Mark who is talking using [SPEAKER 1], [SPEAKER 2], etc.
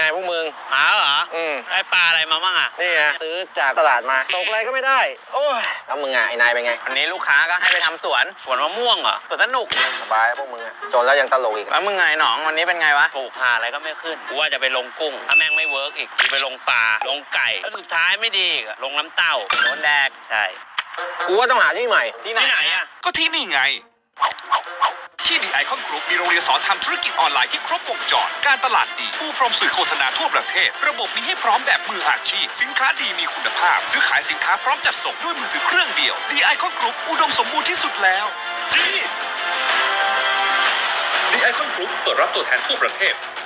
[SPEAKER 1] พวกมึง
[SPEAKER 2] หาเหรอได้ปลาอะไรมาบ้างอ่ะ
[SPEAKER 1] นี่ไงซื้อจากตลาดมาตกอะไรก็ไม่ได้โอ้ยแล้วมึงไอ้นายเป็นไง
[SPEAKER 2] อันนี้ลูกค้าก็ให้ไปทำสวนมะม่วงเหรอสวนสนุก
[SPEAKER 1] สบายพวกมึงจนแล้วยังตลกอีก
[SPEAKER 2] แล้วมึงไงหนองวันนี้เป็นไงวะปลูกผ่าอะไรก็ไม่ขึ้นกูว่าจะไปลงกุ้งถ้าแม่งไม่เวิร์กอีกกูไปลงปลาลงไก่แล้วสุดท้ายไม่ดีลงน้ำเต้าโดนแดกใช่
[SPEAKER 1] กูว่าต้องหาที่ใหม่
[SPEAKER 2] ที่ไหนอ่ะ
[SPEAKER 3] ก็ที่นี่ไงที่ดีไอคอนกรุ๊ปมีโรงเรียนสอนทำธุรกิจออนไลน์ที่ครบวงจรการตลาดดีผู้พร้อมสื่อโฆษณาทั่วประเทศระบบมีให้พร้อมแบบมืออาชีพสินค้าดีมีคุณภาพซื้อขายสินค้าพร้อมจัดส่งด้วยมือถือเครื่องเดียวดีไอคอนกรุ๊ปอุดมสมบูรณ์ที่สุดแล้วดีไอคอนกรุ๊ปเปิดรับตัวแทนทั่วประเทศ